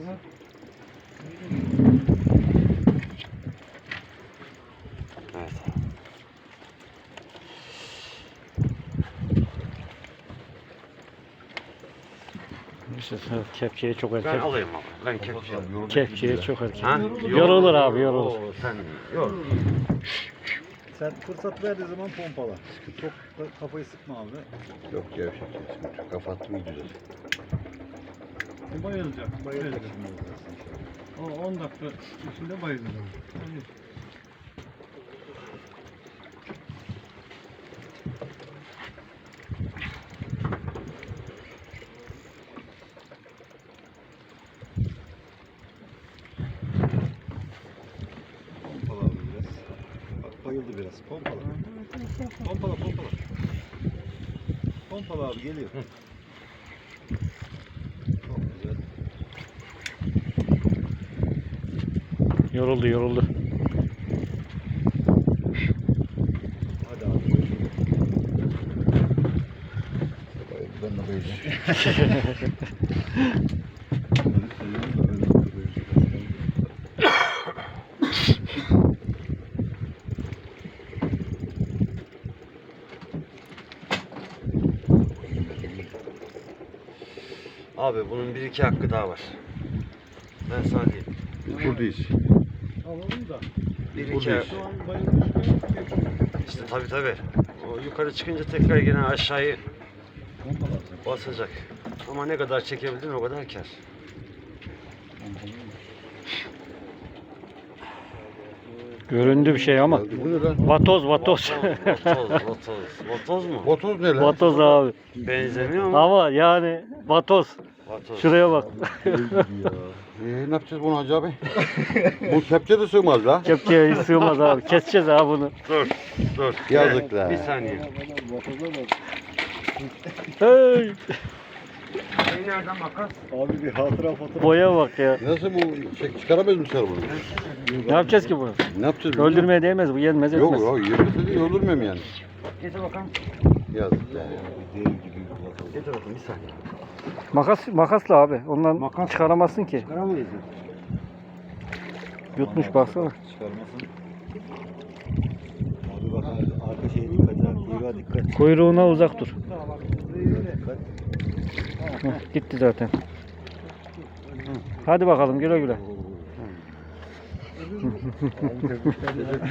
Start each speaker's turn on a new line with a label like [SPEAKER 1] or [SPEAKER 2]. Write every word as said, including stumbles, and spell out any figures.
[SPEAKER 1] Evet.
[SPEAKER 2] Kepçeye çok erken.
[SPEAKER 1] Ben alayım abi. Ben kepçe alayım.
[SPEAKER 2] Kepçeye çok erken.
[SPEAKER 1] Ha?
[SPEAKER 2] Yorulur abi, yorulur.
[SPEAKER 1] Oo, sen yor.
[SPEAKER 3] Sen fırsat verdiği zaman pompala. Çok da kafayı sıkma abi.
[SPEAKER 4] Yok gevşek. Çok kapattım iyi güzel.
[SPEAKER 3] Bayılacak. Bayılacak şimdi.
[SPEAKER 5] O on dakika içinde bayılacak.
[SPEAKER 3] Pompala abi biraz. Bak bayıldı biraz. Pompala. Pompala pompala. Pompala abi geliyor. Çok güzel.
[SPEAKER 2] Yoruldu, yoruldu.
[SPEAKER 3] Hadi abi.
[SPEAKER 4] Ben de bayılacağım.
[SPEAKER 1] Abi bunun bir iki hakkı daha var. Ben sana diyeyim.
[SPEAKER 4] Biz buradayız.
[SPEAKER 5] Alalım da.
[SPEAKER 1] Bir iki
[SPEAKER 4] Buradayız.
[SPEAKER 5] Şu an bayılmışken
[SPEAKER 1] İşte tabi tabi. O yukarı çıkınca tekrar yine aşağıyı
[SPEAKER 3] Pompala.
[SPEAKER 1] basacak. Ama ne kadar çekebildin o kadar kar.
[SPEAKER 2] Göründü bir şey ama.
[SPEAKER 4] Bu ne lan?
[SPEAKER 2] Vatoz, vatoz.
[SPEAKER 1] Vatoz, vatoz. Vatoz mu?
[SPEAKER 4] Botoz ne lan?
[SPEAKER 2] Vatoz abi.
[SPEAKER 1] Benzemiyor mu?
[SPEAKER 2] Ama yani vatoz.
[SPEAKER 1] Vatoz.
[SPEAKER 2] Şuraya bak.
[SPEAKER 4] Ee, ne yapacağız bunu Hacı abi? Bu kepçe de sığmaz la.
[SPEAKER 2] Kepçeye hiç sığmaz abi. Keseceğiz abi bunu.
[SPEAKER 1] Dur, dur.
[SPEAKER 4] Yazık
[SPEAKER 1] Gel,
[SPEAKER 4] la.
[SPEAKER 1] Bir saniye.
[SPEAKER 2] Hey,
[SPEAKER 1] Şey nereden makas?
[SPEAKER 3] Abi bir hatıra fotoğraf.
[SPEAKER 2] boya bak ya.
[SPEAKER 4] Nasıl bu? Çek, çıkaramaz mısın bunu?
[SPEAKER 2] Ne yapacağız ki bunu?
[SPEAKER 4] Ne yapacağız?
[SPEAKER 2] Öldürmeye değmez, bu yenmez etmez.
[SPEAKER 4] Yok yok yemese de öldürmem yani.
[SPEAKER 1] Getir bakalım.
[SPEAKER 4] Yazık la.
[SPEAKER 3] Dev gibi bir fotoğraf.
[SPEAKER 1] Getir bakalım bir saniye.
[SPEAKER 2] Makas, makasla abi. Ondan
[SPEAKER 1] Makas.
[SPEAKER 2] çıkaramazsın ki.
[SPEAKER 1] Çıkaramayız.
[SPEAKER 2] Yutmuş baksana.
[SPEAKER 3] Çıkarmasın. Abi bak ar- arka şeye dikkat et. Kuyruğa dikkat.
[SPEAKER 2] Kuyruğuna uzak dur.
[SPEAKER 3] Dikkat.
[SPEAKER 2] Heh, gitti zaten. Hadi bakalım güle güle.